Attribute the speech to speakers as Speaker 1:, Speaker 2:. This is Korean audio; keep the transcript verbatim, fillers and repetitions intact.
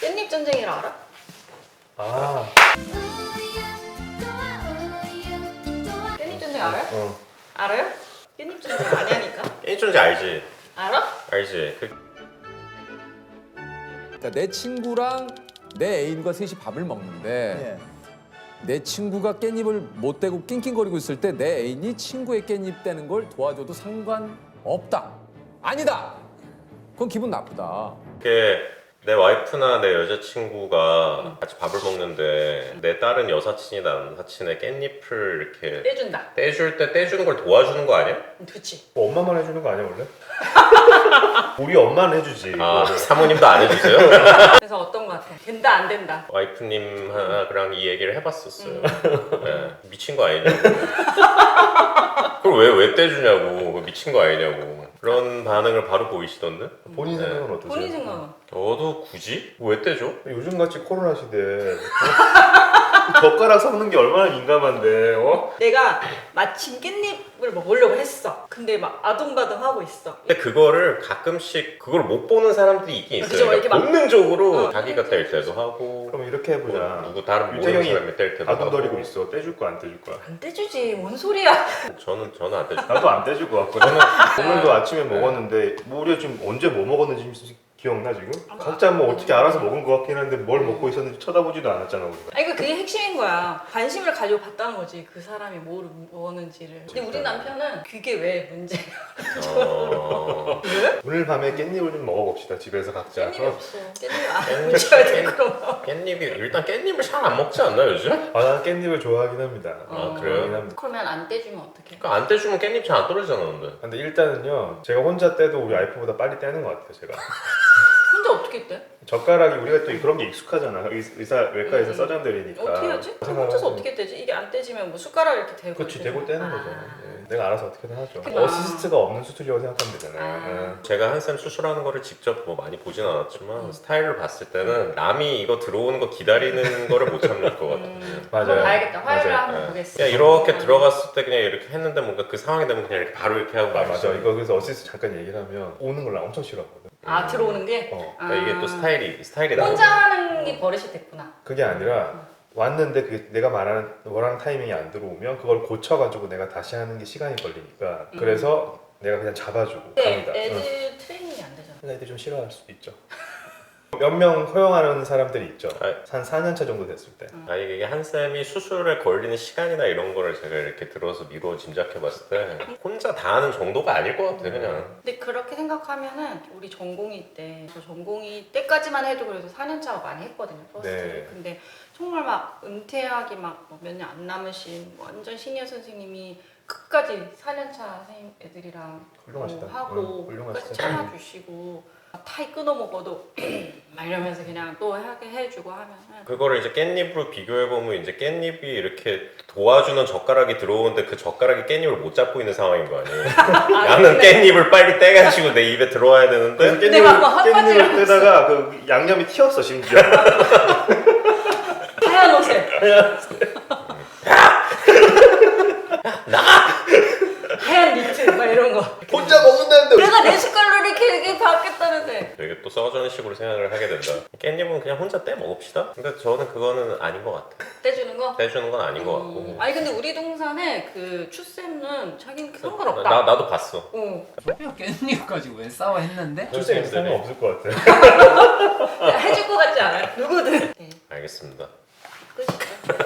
Speaker 1: 깻잎 전쟁이를 알아?
Speaker 2: 아.
Speaker 1: 깻잎 전쟁 알아요?
Speaker 2: 어.
Speaker 1: 알아요? 깻잎 전쟁 아냐니까.
Speaker 3: 깻잎 전쟁 알지?
Speaker 1: 알아?
Speaker 3: 알지? 그
Speaker 4: 그러니까 내 친구랑 내 애인과 셋이 밥을 먹는데 내 친구가 깻잎을 못 대고 낑낑거리고 있을 때 내 애인이 친구의 깻잎 떼는 걸 도와줘도 상관없다. 아니다. 그건 기분 나쁘다.
Speaker 3: 그게 내 와이프나 내 여자친구가 같이 밥을 먹는데 내 딸은 여사친이나 남사친의 깻잎을 이렇게
Speaker 1: 떼준다.
Speaker 3: 떼줄 때 떼주는 걸 도와주는 거 아니야?
Speaker 1: 그치.
Speaker 2: 뭐 엄마만 해주는 거 아니야 원래? 우리 엄마는 해주지.
Speaker 3: 아
Speaker 2: 그거를.
Speaker 3: 사모님도 안 해주세요?
Speaker 1: 그래서 어떤 거 같아? 된다 안 된다.
Speaker 3: 와이프님이랑 이 얘기를 해봤었어요. 네, 미친 거 아니냐고. 그걸 왜, 왜 떼주냐고. 미친 거 아니냐고. 그런 반응을 바로 보이시던데?
Speaker 2: 본인
Speaker 3: 네.
Speaker 2: 생각은 어떠세요?
Speaker 1: 본인 생각은?
Speaker 3: 저도 굳이? 왜 떼줘?
Speaker 2: 요즘같이 코로나 시대에 젓가락 섞는 게 얼마나 민감한데 어?
Speaker 1: 내가 마침 깻잎을 먹으려고 했어. 근데 막 아둥바둥 하고 있어.
Speaker 3: 근데 그거를 가끔씩 그걸 못 보는 사람들이 있긴 있어요.
Speaker 1: 그죠, 이렇게
Speaker 3: 그러니까
Speaker 1: 막-
Speaker 3: 본능적으로
Speaker 1: 어,
Speaker 3: 자기가 뗄 때도 하고
Speaker 2: 그럼 이렇게 해보자.
Speaker 3: 뭐 누구 다른 모르는
Speaker 2: 유태경이
Speaker 3: 사람이 뗄 때도
Speaker 2: 아둥거리고
Speaker 3: 하고.
Speaker 2: 있어. 떼줄 거야 안 떼줄 거야?
Speaker 1: 안 떼주지. 뭔 소리야.
Speaker 3: 저는 저는 안 떼줘.
Speaker 2: 나도 안 떼줄 것 같고 저는 오늘도 아침에 먹었는데 뭐 우리가 지금 언제 뭐 먹었는지 기억나 지금? 각자 뭐 어떻게 알아서 먹은 것 같긴 한데 뭘 먹고 있었는지 쳐다보지도 않았잖아 우리가.
Speaker 1: 아니 그 그게 핵심인 거야. 관심을 가지고 봤다는 거지. 그 사람이 뭐를 먹었는지를. 근데 우리 남편은 그게 왜 문제야?
Speaker 3: 어...
Speaker 1: 왜?
Speaker 2: 오늘 밤에 깻잎을 좀 먹어봅시다 집에서 각자.
Speaker 1: 깻잎이
Speaker 2: 어?
Speaker 1: 없어. 깻잎 안 묻혀야 돼 그럼.
Speaker 3: 깻잎이 일단 깻잎을 잘 안 먹지 않나 요즘?
Speaker 2: 아, 난 깻잎을 좋아하긴 합니다.
Speaker 3: 아, 그래요?
Speaker 2: 좋아하긴 합니다.
Speaker 1: 그러면 안 떼주면 어떡해?
Speaker 3: 그러니까 안 떼주면 깻잎 잘 안 떨어지잖아 근데.
Speaker 2: 근데 일단은요 제가 혼자 떼도 우리 와이프보다 빨리 떼는 것 같아요 제가.
Speaker 1: 혼자 어떻게 떼?
Speaker 2: 젓가락이 우리가 또 그런 게 익숙하잖아. 의- 의사 외과에서
Speaker 1: 음.
Speaker 2: 서장들이니까.
Speaker 1: 어떻게 하지? 그럼 혼자서 어떻게 떼지? 이게 안 떼지면 뭐 숟가락 이렇게 대고
Speaker 2: 그렇지
Speaker 1: 이렇게
Speaker 2: 대고 떼는
Speaker 1: 아.
Speaker 2: 거죠. 네. 내가 알아서 어떻게든 하죠.
Speaker 1: 그렇구나.
Speaker 2: 어시스트가 없는 수술이라고 생각하면 되잖아요.
Speaker 1: 아.
Speaker 2: 네.
Speaker 3: 제가 한쌤 수술하는 거를 직접 뭐 많이 보진 않았지만
Speaker 1: 음.
Speaker 3: 스타일을 봤을 때는 남이 이거 들어오는 거 기다리는 거를 못 참을 것 같아요.
Speaker 1: 음,
Speaker 2: 맞아요.
Speaker 1: 한번 봐야겠다. 화요일에
Speaker 2: 맞아요.
Speaker 1: 한번
Speaker 3: 네.
Speaker 1: 보겠어.
Speaker 3: 그냥 이렇게 들어갔을 때 그냥 이렇게 했는데 뭔가 그 상황이 되면 그냥 이렇게 바로 이렇게 하고
Speaker 2: 아, 맞아.
Speaker 3: 말았어요.
Speaker 2: 이거 그래서 어시스트 잠깐 얘기를 하면 오는 걸 나 엄청 싫어하거든.
Speaker 1: 아 들어오는 게?
Speaker 2: 어.
Speaker 3: 그러니까 이게 또
Speaker 1: 아.
Speaker 3: 스타일이 스타일이
Speaker 1: 혼자
Speaker 3: 나오죠.
Speaker 1: 하는 게 버릇이 됐구나.
Speaker 2: 그게 아니라 왔는데 그게 내가 말하는 원하는 타이밍이 안 들어오면 그걸 고쳐가지고 내가 다시 하는 게 시간이 걸리니까
Speaker 1: 음.
Speaker 2: 그래서 내가 그냥 잡아주고
Speaker 1: 근데
Speaker 2: 갑니다. 응.
Speaker 1: 애들 트레이닝이 안 되잖아.
Speaker 2: 애들이 좀 싫어할 수도 있죠. 몇 명 허용하는 사람들이 있죠.
Speaker 3: 아.
Speaker 2: 한 사 년 차 정도 됐을 때.
Speaker 3: 아 이게 한쌤이 수술에 걸리는 시간이나 이런 거를 제가 이렇게 들어서 미루어 짐작해 봤을 때 혼자 다 하는 정도가 아닐 것 같아 그냥.
Speaker 1: 근데 그렇게 생각하면은 우리 전공의 때, 저 전공의 때까지만 해도 그래도 사 년 차가 많이 했거든요. 퍼스트.
Speaker 2: 네.
Speaker 1: 근데 정말 막 은퇴하기 막 몇 년 안 남으신 완전 시니어 선생님이 끝까지 사 년 차 선생님 애들이랑
Speaker 2: 훌륭하시다.
Speaker 1: 뭐 하고
Speaker 2: 응,
Speaker 1: 끝까지
Speaker 2: 훌륭하시다.
Speaker 1: 참아주시고 타이 끊어 먹어도 막 이러면서 그냥 또 하게 해주고 하면은
Speaker 3: 그거를 이제 깻잎으로 비교해 보면 이제 깻잎이 이렇게 도와주는 젓가락이 들어오는데 그 젓가락이 깻잎을 못 잡고 있는 상황인 거 아니에요? 나는 깻잎을 빨리 떼가지고 내 입에 들어와야 되는데
Speaker 2: 그래서
Speaker 1: 근데 막 뭐 한
Speaker 2: 깻잎을,
Speaker 1: 가지를
Speaker 2: 깻잎을 떼다가 그 양념이 튀었어 심지어.
Speaker 1: 하얀 옷에 하얀 니트 막 이런 거
Speaker 2: 혼자 먹는다는데.
Speaker 1: 내가 내 숟갈로 이렇게 이렇게 받겠다는데
Speaker 3: 되게 또 써주는 식으로 생각을 하게 된다. 깻잎은 그냥 혼자 떼 먹읍시다. 근데 저는 그거는 아닌 것 같아.
Speaker 1: 떼주는 거?
Speaker 3: 떼주는 건 아닌 것 같고.
Speaker 1: 음. 아니 근데 우리 동산에 그 추쌤은 자기는 상관없다.
Speaker 3: 나 나도 봤어.
Speaker 1: 어.
Speaker 5: 소피아 깻잎 가지고 왜 싸워 했는데?
Speaker 2: 출생이 상관 없을 것 같아.
Speaker 1: 해줄 것 같지 않아요? 누구든. 네.
Speaker 3: 알겠습니다.
Speaker 1: 끝이죠.